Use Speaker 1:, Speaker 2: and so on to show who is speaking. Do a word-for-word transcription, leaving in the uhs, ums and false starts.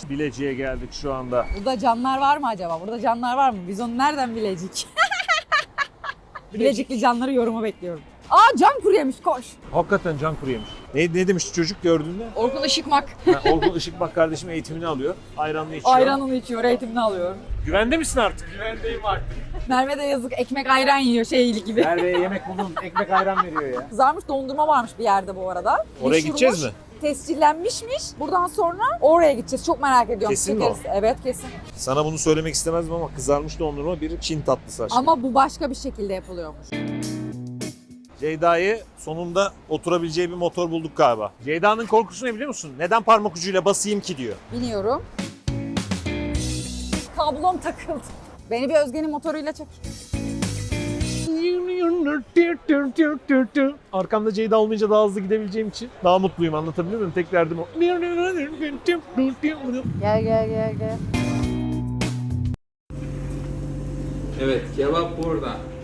Speaker 1: Bilecik'e geldik şu anda.
Speaker 2: Burada canlar var mı acaba? Burada canlar var mı? Biz onu nereden bilecek? Bilecikli canları yoruma bekliyorum. Aa can kuru yemiş koş.
Speaker 1: Hakikaten can kuru yemiş. Ne, ne demiş çocuk gördüğünde?
Speaker 2: Orkun Işıkmak.
Speaker 1: Ha, Orkun Işıkbak kardeşim eğitimini alıyor. Ayranını içiyor.
Speaker 2: Ayranını içiyor, eğitimini alıyor.
Speaker 1: Güvende misin artık?
Speaker 3: Güvendeyim artık.
Speaker 2: Merve de yazık ekmek ayran yiyor şey gibi.
Speaker 1: Merve'ye yemek buldum. Ekmek ayran veriyor ya.
Speaker 2: Kızarmış dondurma varmış bir yerde bu arada.
Speaker 1: Oraya
Speaker 2: Meşhurmuş,
Speaker 1: gideceğiz mi?
Speaker 2: Tescillenmişmiş. Buradan sonra oraya gideceğiz. Çok merak ediyorum.
Speaker 1: Kesin mi
Speaker 2: Çekeriz. Evet kesin.
Speaker 1: Sana bunu söylemek istemezdim ama kızarmış dondurma bir Çin tatlısı aşkım.
Speaker 2: Ama bu başka bir şekilde yapılıyormuş.
Speaker 1: Ceyda'yı sonunda oturabileceği bir motor bulduk galiba. Ceyda'nın korkusu ne biliyor musun? Neden parmak ucuyla basayım ki diyor.
Speaker 2: Biniyorum. Kablom takıldı. Beni bir Özge'nin motoruyla çek.
Speaker 1: Arkamda Ceyda olmayınca daha hızlı gidebileceğim için daha mutluyum, anlatabiliyor muyum? Tek derdim o.
Speaker 2: Gel gel gel gel.
Speaker 3: Evet, kebap burada.